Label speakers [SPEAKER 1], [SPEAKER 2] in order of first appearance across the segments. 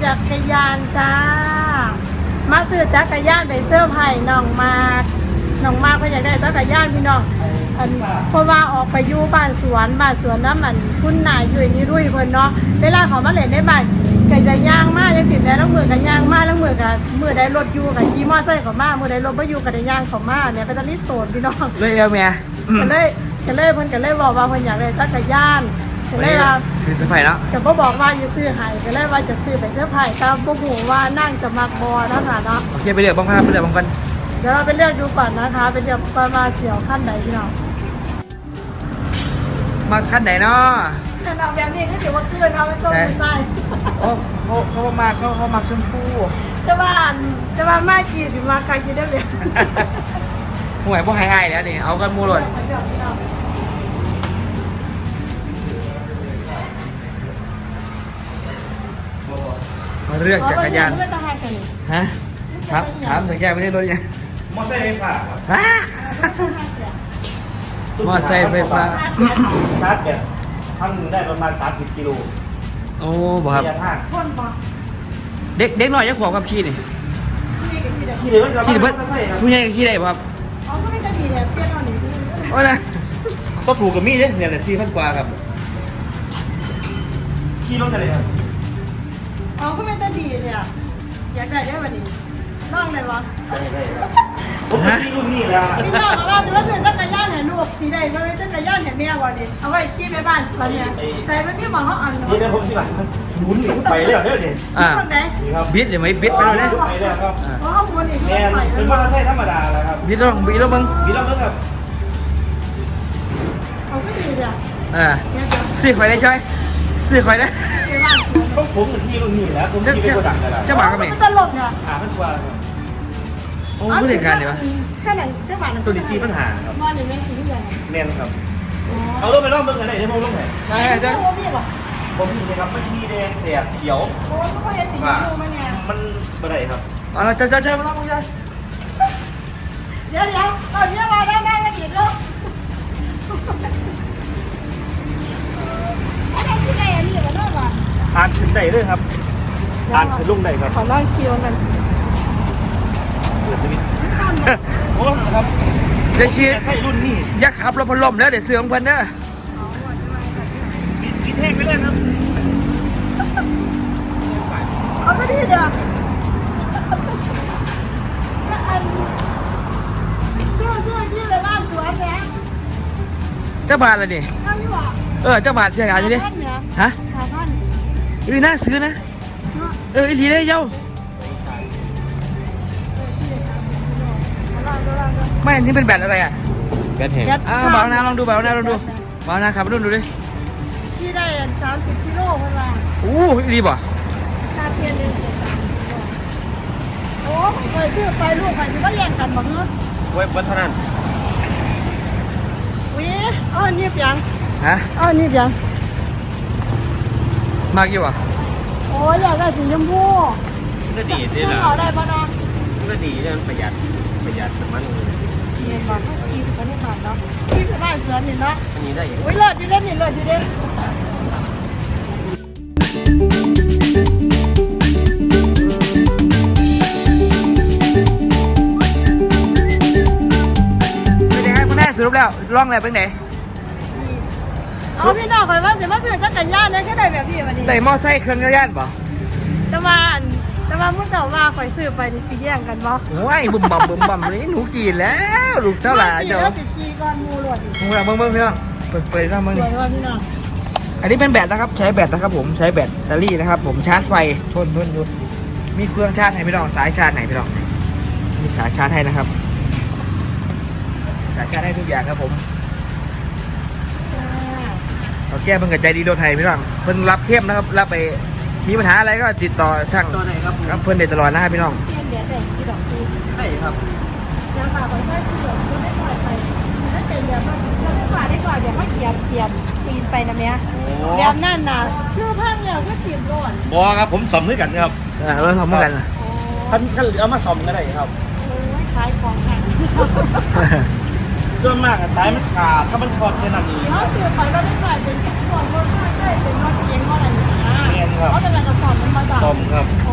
[SPEAKER 1] จักรยานจ้ามาซื้อจักรยานไปเสื้อร์ไผ่น้องมากเพิ่นอยากได้จักรยานพี่น้องเพราะว่าออกไปอยู่บ้านสวนน้ำมันคุณนายอยู่นี่รุ่ยเพิ่นเนาะเวลาเขามาเล่นในบ้านก็จะย่างมาจังซี่แม่แล้วมือก็ย่างมาแล้วมือก็มือใดรถอยู่ก็ขี่มอเตอร์ไซค์เข้ามามือใดรถบ่อยู่ก็ได้ย่างเข้ามาเนี่ยเป็นตะลิโตนพี่น้อง
[SPEAKER 2] เลยเอาแม่
[SPEAKER 1] ก็เลยเพิ่นก็เลยบอกว่าเพิ่นอยากได้จักรยานก็เลยว่า
[SPEAKER 2] ซื้อเสื้อผ้าแล้ว
[SPEAKER 1] ก็บ่บอกว่าจะซื้อให้ก็เลยว่าจะซื้อไปเสื้อผ้าแต่บ่ฮู้ว่านั่งจะมักบ่นะคะเนาะ
[SPEAKER 2] โอเคไปเลือกบ้างครับไปเลือกบ้างกัน
[SPEAKER 1] เดี๋ยวเราไปเลือกดูก่อนนะคะไปเลือกประมาณเสี่ยวขั้นไหนพี่น้อง
[SPEAKER 2] มาขั้นไหนเนาะ
[SPEAKER 1] เอาแบบนี้ก็ถือว่าเกินเอาไปต้มใส่
[SPEAKER 2] โอ้เขามาเขามักชมพู
[SPEAKER 1] จะว่ามากี่สิมาใครกินได้เลย
[SPEAKER 2] ห่วยพวกไฮไอแล้วนี่เอากันมูหล่นมาเลือกจักรยานฮะถามจักรยานไม่ได้รถยัง
[SPEAKER 3] มอไซค์ไฟฟ้าครับ
[SPEAKER 2] มอไซค์ไฟฟ้า
[SPEAKER 3] ชาร์จแบบท่านได้ประมาณ30 กิโล
[SPEAKER 2] โอ้บ่ครับเด็กหน่อยจะขวบกับขี่นี่
[SPEAKER 3] ขี่เลยขี่เลย
[SPEAKER 2] ผู้ใหญ่ขี่ได้บ่ครับ
[SPEAKER 1] อ๋อก็ไม่จะดีเลยเปรี้ยวหน่อย
[SPEAKER 2] โอ้ยนะก็ถูกกับมีดเนี่ยแหละ4,000 กว่าครับ
[SPEAKER 3] ขี่รถอะไรครับ
[SPEAKER 1] อ๋อก็ไม่จะดีเลยอ่ะอยากได้วันนี้น้องเลยวะ
[SPEAKER 3] ได้ผมขี่รุ่นนี้แล้ว
[SPEAKER 1] พี่น้องเราจะว่าเดินจักรยานเห็นลูกสีใดก็เลยจักรยานเห็นแม่วันนี้เอาไว้ขี่ไปบ้านตอนนี้ใส่ไม่พี่มองเขาอ่านเนาะ
[SPEAKER 3] นี่ผมที่หลังหมุนหนีไปเลยเด้อเนี่ย
[SPEAKER 2] บิดหรือไม่บิดไปเลย
[SPEAKER 3] ไปเลยครับ
[SPEAKER 1] เพราะเขาหมุนอีก
[SPEAKER 3] แม่เป็นมอเตอร์ไซค์ธรรมดาแล้วครับ
[SPEAKER 2] บิดแล้วมึง
[SPEAKER 3] บิดแล้วครับ
[SPEAKER 1] เขาก็ดีเลย
[SPEAKER 2] ซื้อข่อยได้จ้อยซื้อข่อยได้
[SPEAKER 3] ผมจะขี่รุ่นนี้แล้วผมขี่ไปกระดังกันแล้ว
[SPEAKER 2] เจ้าบ่าวกับแม่
[SPEAKER 1] ตลกเนี่ย
[SPEAKER 3] มันชัวร์
[SPEAKER 2] โอ้ผู้เด็กกันเดี๋ยว
[SPEAKER 1] แค่ไหนเจ้าบ่าว
[SPEAKER 3] ตัวนี้4 ปัญหาครับ
[SPEAKER 1] นอนอยู่แม่สีที่ไหน
[SPEAKER 3] แม่นครับเอาลงไปล่องเบิ่งกันไหนได้มั้งลงไหน
[SPEAKER 2] ได้จ้ะ
[SPEAKER 3] ผมมีนะครับไม่มีแดงเสียเขียว
[SPEAKER 1] โอ้เขาเห็นสีชมพูไหมเนี่ย
[SPEAKER 3] มันอะไรครับ
[SPEAKER 2] เอาละจ้ามาล่องมึงจ้า
[SPEAKER 1] เดี๋ยวตอนนี้มาได้แล้วอีกแล้วอะไรที่ไหนอันนี้มาด้วยวะ
[SPEAKER 3] อ่านขึ้นได้ด้วยครับอ่านขึ้นลงได้ครับ
[SPEAKER 1] ขอล่องคิวกัน
[SPEAKER 3] โอ้ครับ
[SPEAKER 2] เดี๋ยวชี้
[SPEAKER 3] ให้รุ่นนี้
[SPEAKER 2] ยักษ์ขับรถพัดลมแล้วเดี๋ยวเสื่อมกันเด้อ
[SPEAKER 3] ปิดแห้งไปเลยครับ
[SPEAKER 1] เขาก็ดีเด้อชื่อเลยบ้านสวนเนี่ย
[SPEAKER 2] เจ้าบาทอะไรนี่เจ้าบาทเสียงานอยู่ดิฮะน่าซื้อนะอีหลีได้เย้าไม่อันนี้เป็นแบตอะไรอ่ะ
[SPEAKER 3] แบตแห้ง
[SPEAKER 2] เบาหน้าลองดูเบาหน้าขับมาดูดิ
[SPEAKER 1] ที่ได้30 กิโลเพิ่นว่า
[SPEAKER 2] อีหลีบ่
[SPEAKER 1] ค่าเพียนเลยโอ้เคยซื้อไปลูกไปสิว่าแย่งกันบ่เนาะ
[SPEAKER 3] ไว้เท่านั้น
[SPEAKER 1] นี่เปียง
[SPEAKER 2] ฮะ
[SPEAKER 1] นี่เปียง
[SPEAKER 2] มากอยู่อ่ะ
[SPEAKER 1] โอ้ยอยากได้สีชมพู
[SPEAKER 3] ก็ดีสิล่ะ
[SPEAKER 1] เอาได้ป่ะน้อง
[SPEAKER 3] ก็ดีเรื่องประหยัดน้ำมัน
[SPEAKER 1] เงินบาทขี่ไปในบ้านเนาะขี่ไปบ้านสวนนี่เนาะ
[SPEAKER 3] อันนี้ได้ยัง
[SPEAKER 1] เลิศอยู่เด้นี่เลิศอยู่เด้
[SPEAKER 2] เป็นยังไงคุณแม่สรุปแล้วร่องอะไรเป็นไหน
[SPEAKER 1] เอาพี่น้องคอยว่าสิมาซื้อจักรยานได้แค่ไหนแบบพี่วันนี้
[SPEAKER 2] ได้มอไซค์เครื่องจักรยานป่ะ
[SPEAKER 1] แต่ว่ามุ่งแต่ว่าคอยซื้อไปนี่สิแย่งกันบ่
[SPEAKER 2] ว้ายบุ่มบ่มเลยหนูจีนแล้วลูกเจ้าหลาน
[SPEAKER 1] เจ้าติดขี่ก่อนมูหลวด
[SPEAKER 2] มึงเบิ่งพี่น้องเปิดน้ำมึงนี่อันนี้เป็นแบตนะครับใช้แบตนะครับผมใช้แบตเตอรี่นะครับผมชาร์จไฟทนอยู่มีเครื่องชาร์จให้พี่น้องสายชาร์จไหนพี่น้องมีสายชาร์จให้นะครับสายชาร์จให้ทุกอย่างครับผมเราแก้เพิ่งกับใจดีรถไทยพี่น้องเพิ่งรับเข้มนะครับรับไปมีปัญหาอะไรก็ติดต่อสั่งกับเพิ่นได้ตลอดนะครับพี่น้อง
[SPEAKER 3] ใช่ครับ
[SPEAKER 1] ยังฝากไว้ให้ที่เหลือไม่ปล่อยไปถ้าเป็นเดี๋ยวมันไม่ฝากได้ก่อนเดี๋ยวเขาเกียบตีนไปนะเนี้ยเดี๋ยวนั่นน่ะคือพังเนี่ยก็ตีนก่อน
[SPEAKER 3] บอครับผมสอมด้วยกันครับ
[SPEAKER 2] เราทำด้วยกัน
[SPEAKER 3] ท่านเอามาสอมก็ได้ครับ
[SPEAKER 1] ขายของแข่ง
[SPEAKER 3] ส่วนมากสายมันขาดถ้ามันช็อตแค่นั้นเอง
[SPEAKER 1] เขาเสียไปเราได้กลายเป็นส่วนรถไม่ใช่เป็นรถเก๋งอะไรอย่างเงี้ยเขาจะเป็นกระสอบมันมาจาก
[SPEAKER 3] สอมครับ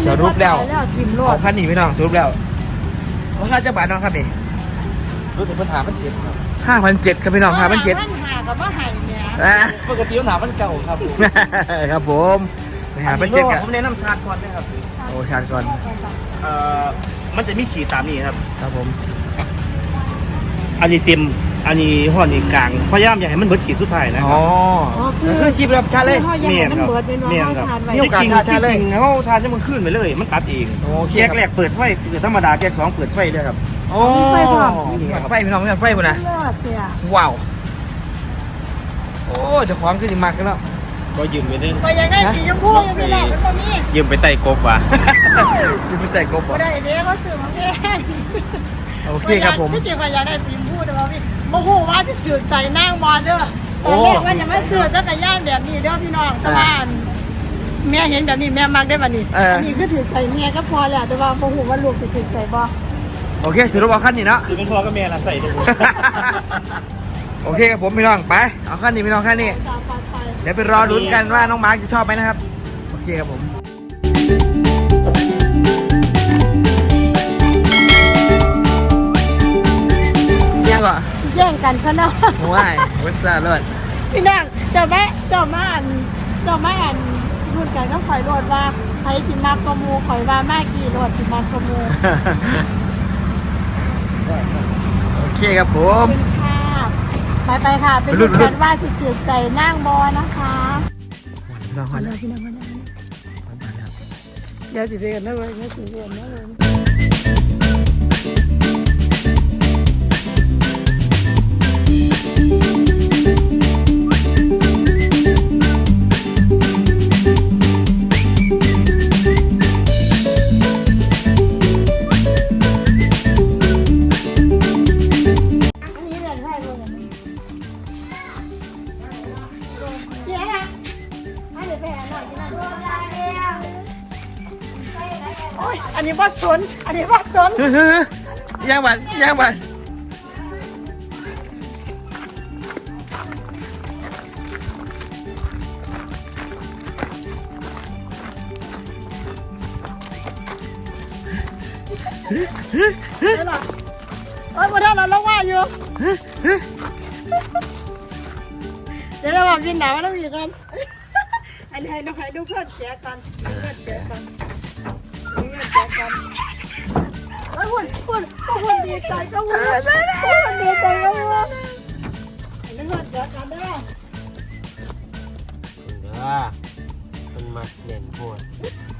[SPEAKER 2] สรุปแล้ว
[SPEAKER 1] แล้วทิมโล
[SPEAKER 2] เอา
[SPEAKER 1] ด
[SPEAKER 2] คันนี้พี่น้องสรุปแล้วราคาจะบาทน้องครับนี่
[SPEAKER 3] รู้ถึงปัญหามันเจ็บครับ
[SPEAKER 2] 5,700ครับพี่น้อง5,700
[SPEAKER 1] หากับว่าหายเนี่ย
[SPEAKER 3] ปกติปัญหามันเก่าครับ
[SPEAKER 2] ครับผม5,700กัน
[SPEAKER 3] ผมแนะนำชาร์จก่อนนะครับ
[SPEAKER 2] โอ้ชาร์จก่อน
[SPEAKER 3] มันจะมีขีดตามนี้ครับ
[SPEAKER 2] ครับผม
[SPEAKER 3] อันนี้เต็มอันนี้ห่อนี่กลางพยายามอย่าให้มันเบิดขีดสุดท้ายนะค
[SPEAKER 2] อ๋
[SPEAKER 3] รั
[SPEAKER 2] อบ คือคลิปแบบชาร์จเลย
[SPEAKER 1] เมียนครับเมียนครับ
[SPEAKER 2] มีโอกาสชาร์จเลย
[SPEAKER 3] จริงๆเขาชาร์จจะมันขึ้นไปเลย มันตัดเอง
[SPEAKER 2] โอเค
[SPEAKER 3] แยกแรกเปิดไฟเปิดธรรมดาแยก2เปิดไฟด้วยครับ
[SPEAKER 2] โอ้ไฟพี่น้องไฟพุ่นนะ
[SPEAKER 1] เลือดเสีย
[SPEAKER 2] ว้าวโอ้เจะของขึ้นมากกันแล้ว
[SPEAKER 3] ก็ยืมไปนึง
[SPEAKER 1] ก็ยังได้สีชมพูยังไม่ได้เป็นตัวนี้
[SPEAKER 3] ยืมไปไต่กบว่ะ
[SPEAKER 2] ยืมไปแต่กบ
[SPEAKER 1] ก็
[SPEAKER 2] อ่ะ
[SPEAKER 1] ได้เด็กก็ซื้อมาแพง
[SPEAKER 2] โอเคครับผม
[SPEAKER 1] ที่จริงก็อยากได้สีชมพูแต่ว่าพี่โมโหว่าจะถือใจนั่งบอลเด้อตอนแรกว่าจะไม่ซื้อจักรยานแบบนี้เด้อพี่น้องแต่ว่าแม่เห็นแบบนี้แม่มักได้แบบนี้อันนี้ก็ถือใจแม่ก็พอแหละแต่ว่าโมโหว่าลูกจะถือใจบ่
[SPEAKER 2] โอเคสรุปเอาขั้นนี้เนาะ
[SPEAKER 3] คือเป็นพ่อกับแม่ละใส่ได้หมด
[SPEAKER 2] โอเคครับผมพี่น้องไปเอาขั้นนี้พี่น้องขั้นนี้เดี๋ยวไปรอลุ้นกันว่าน้องมาร์คจะชอบไหมนะครับโอเคครับผมยังก่อน
[SPEAKER 1] แย่งกันซะเนาะ
[SPEAKER 2] ว้ายเว็บซ่าเลิศ
[SPEAKER 1] พี่น้องจะมาอ่านพูดกันก็ข่อยโลดว่าใครสิมากกมูข่อยว่ามากี่โลดสิมากกมู
[SPEAKER 2] โอเคครับผม
[SPEAKER 1] ค่ะไปค่ะเป็นดูกันว่าสิถือใจนั่งบอนะคะ
[SPEAKER 2] พี่น้องก่อนนะ
[SPEAKER 1] พี่น้องเดี๋ยวสิไปกันนะเว้ยเดี๋ยวสิไปกันนะเว้ยอันนี้ว่าสนอันนี้ว่าสน
[SPEAKER 2] ย่างบันย่างบัน
[SPEAKER 1] เฮ้ยหรอเอ้ยมาได้แล้วว่าอยู่เดี๋ยวเราบอกกินหนาวแล้วอีกกันอันนี้ให้เราให้ดูเพื่อนเสียกันเพื่อนเสียกันเพื่อนเสียกันไอ้หุ่นดีใจก็หุ่นดีใจก็หุ่นอันนี้เพื่อนเสียกันได้ไหม
[SPEAKER 3] มันมาเล่นพวก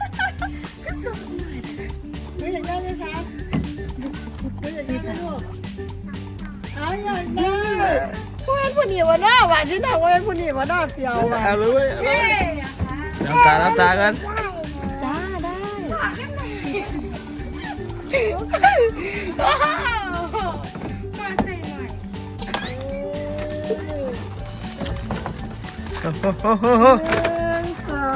[SPEAKER 1] หนูอยากได้ไหมคะหนูอยากได้ไหมลูกเอาอยากได้ว่าผู้หญิงว่าหน้าหวานที่ไหนว่าผู้หญิงว่าหน้าเสียวอ่ะ
[SPEAKER 2] เอาเลยน้ำตาน้ำตากัน
[SPEAKER 1] จ้าได้มาใส่หน่อย ก่อน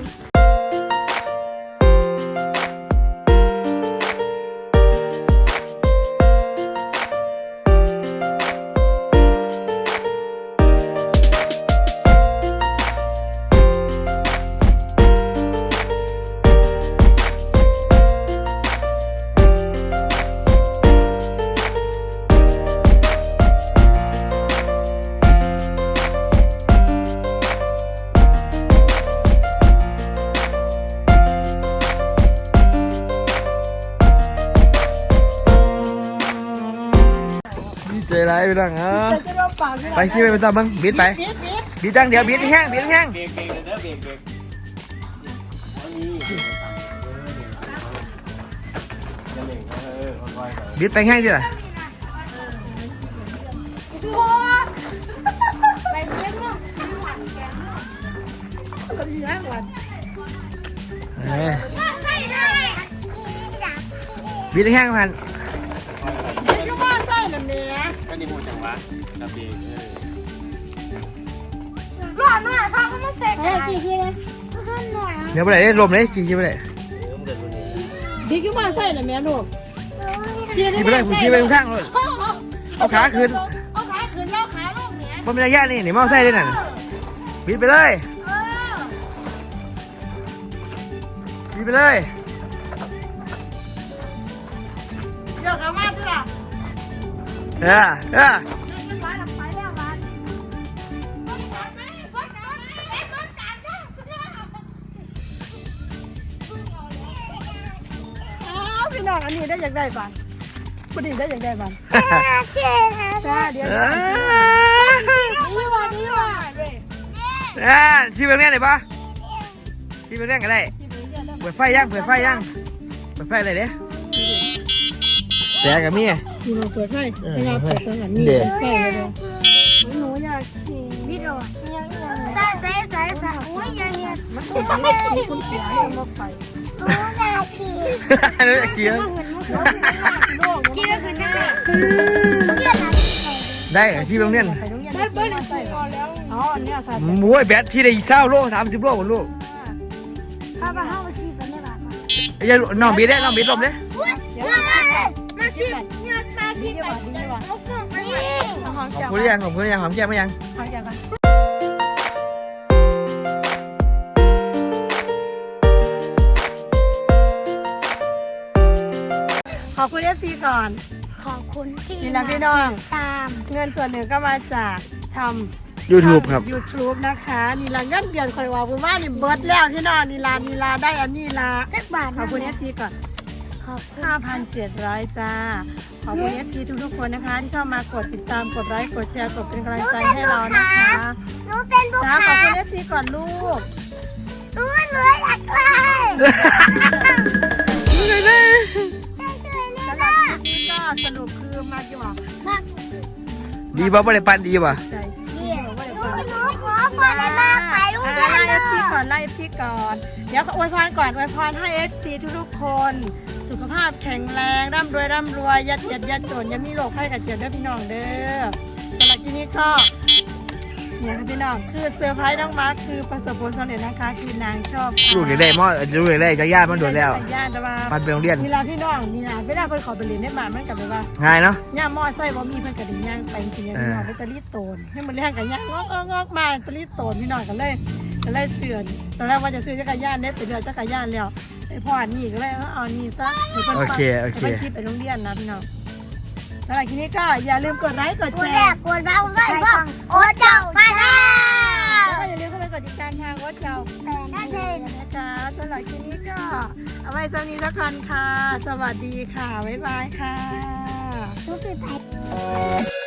[SPEAKER 2] ใจร้ายไปดังอ่ะ
[SPEAKER 1] จะรอปาก
[SPEAKER 2] ไปชี้ไปต่อบ้างบิดไป
[SPEAKER 1] บิด
[SPEAKER 2] บิดตั้งเดี๋ยวบิดแห้งบิดแห้ง
[SPEAKER 3] เบรกเด้อเบรก
[SPEAKER 2] บิดไปแห้งดิล่ะ
[SPEAKER 1] ไปเลี้ยงลูกไปเลี้ยงหลาน
[SPEAKER 2] บิดแห้งพัน
[SPEAKER 1] เลี้ยงลูกว่าไส้นั่นเนี่ย
[SPEAKER 3] ก็นี่พูดจังวะกระเบง
[SPEAKER 1] ร้อนมากค่ะเขามาเสกอะไรกี่นะร้อนหน่อย
[SPEAKER 2] เดี๋ยวไปไหนได้ลมเลยชี้ไปไหน
[SPEAKER 1] บิ๊กลูกว่าไส้นั่นแม่ลูก
[SPEAKER 2] ชี้ไปเลยผมชี้ไปข้างเลยเอาขาขึ้น
[SPEAKER 1] เอาขาขึ้นแล้วขาลงเนี่ย
[SPEAKER 2] ผมเป็นระยะนี่หนีมอไซค์ด้วยนั่นบิดไปเลยบิดไปเลย
[SPEAKER 1] เดี๋ยวเขามาสิล่ะ
[SPEAKER 2] เออ
[SPEAKER 1] ขึ้นร้านทำไปแล้วร้านพี่น้องอันนี้ได้อย่างไรบ้างผู้ดีได้อย่างไรบ้างจ้าเดี๋ยวดีว่ะ
[SPEAKER 2] ที่เป็นเรื่องไหนปะที่เป็นเรื่องอะไรเปิดไฟยังเปิดไฟอะไรเด้แต่กับมี่
[SPEAKER 1] ที่เราเปิดไฟให้เราเปิดสถานีเปิดไฟเลยหนูอยากขี่
[SPEAKER 4] พี่โดดใส่อุ้ยยังเนี่ย
[SPEAKER 1] มันติดมีคุณเสียให้เราไป
[SPEAKER 4] โอ้นาที
[SPEAKER 2] รู้จักเกียร์
[SPEAKER 4] ที่เราคือหน้าเกี่ยนาที
[SPEAKER 2] ได้ที่เป็นเรื่อง
[SPEAKER 1] ได้เบิ้ลใส่ก่อนแล้วอ๋ออันนี้ค่ะ
[SPEAKER 2] มวยแบตที่ได้20 โล 30 โลหมดลูก
[SPEAKER 4] ข้าพเจ้าชีพไม่บาด
[SPEAKER 2] อย่าน้องบีได้น้องบีลมเลย
[SPEAKER 4] มาชีพเนี่ยมาชีพไปเอาเครื่องไป
[SPEAKER 1] หอม
[SPEAKER 2] ขอบ
[SPEAKER 1] แก้ว
[SPEAKER 2] คุณยังขอบคุณยังหอมแก้มไหมยัง
[SPEAKER 1] หอมแก้วกันขอบคุณFCก่อน
[SPEAKER 4] ขอบคุณที่
[SPEAKER 1] นี่นะพี่น้อง
[SPEAKER 4] ตาม
[SPEAKER 1] เงินส่วนหนึ่งก็มาจากทำ
[SPEAKER 2] YouTube ครับ
[SPEAKER 1] YouTube นะคะนี่ละเงินเดือนคอยว่าผมว่านี่เบิร์ดแล้วพี่น้องนี่ลาได้อันนี้ลา
[SPEAKER 4] สักบาท
[SPEAKER 1] ขอบคุณ FC ก่อน
[SPEAKER 4] ขอบคุณ
[SPEAKER 1] 5,700 จ้า ขอบคุณ FC ทุกๆคนนะคะ ที่เข้ามากดติดตามกดไลค์กดแชร์กดเป็นกำลังใจให้เรานะคะ
[SPEAKER 4] หนูเป็นผู้
[SPEAKER 1] จ้า
[SPEAKER 4] ค้า
[SPEAKER 1] ขอบคุณ FC ก่อนลูก
[SPEAKER 4] หนูอยากได้ช่วยแน่
[SPEAKER 1] สำหรับคลิปนี้ก็สรุปคือมากี่บอก
[SPEAKER 4] มาก
[SPEAKER 2] ดีป่ะไม่ได้ปันดีป่ะ
[SPEAKER 1] ใจ
[SPEAKER 4] เยี่ยมหนูขอพรได้มากไปลูกเดียว
[SPEAKER 1] ไล่
[SPEAKER 4] เล
[SPEAKER 1] FC
[SPEAKER 4] ย
[SPEAKER 1] ก่อนไล่ FC ก่อน เดี๋ยวอวยพรก่อนอวยพรให้ FC ทุกๆคน สุขภาพแข็งแรงร่ำรวยยัดเยียดยัดจนอยังมีโรคไข้กับเจ็บด้วยพี่น้องเด้อสำหรับที่นี้ก็เนี่ยค่ะพี่น้องคือเซอร์ไพรส์น้องมาร์คคือประสบผลสำเร็จนะคะคือนางชอบ
[SPEAKER 2] ลูกอยากได้มอลูกอยากได้จากญาติมันโดนแล้ว
[SPEAKER 1] ญาติมา
[SPEAKER 2] มันเป็นโรงเรียน
[SPEAKER 1] นี่ละพี่น้องนี่ละเวลาเพิ่นขอไปเรียนได้มามันกลับไปว่า
[SPEAKER 2] ง่ายเนาะ
[SPEAKER 1] ย่ามอไซค์บ่มีเพิ่นก็ได้ย่างไปจริงๆพี่น้องไปตะลีโตนให้มันเรียกกันย่างงอกมาตะลีโตนพี่น้องก็เลยเสื่อนตอนแรกว่าจะซื้อจักรยานได้ไปเดือจักรยานแล้วไอ้พ่อนี่ก็เลยเอานี่ซะให้เพิ่น
[SPEAKER 2] โอเค
[SPEAKER 1] ไปคิดไปโรงเรียนนะพี่น้องแล้วทีนี้ก็อย่าลืมกดไลค์กด
[SPEAKER 4] ก
[SPEAKER 1] แช
[SPEAKER 4] ดแรก
[SPEAKER 1] ร์
[SPEAKER 4] กดบ้าผมก็อีกว่าโอ้เจ้าฟ้าแล้
[SPEAKER 1] แล้ว
[SPEAKER 4] ว
[SPEAKER 1] ก็อย่าลืมเข้าไปกดติดตามทางวัดเจ้า
[SPEAKER 4] นั่นเอง
[SPEAKER 1] นะคะสำหรับคลิปนี้ก็เอาไว้เท่านี้แล้วกันค่ะ สวัสดีค่ะ บ๊ายบายค่ะ
[SPEAKER 4] รู้สึกไป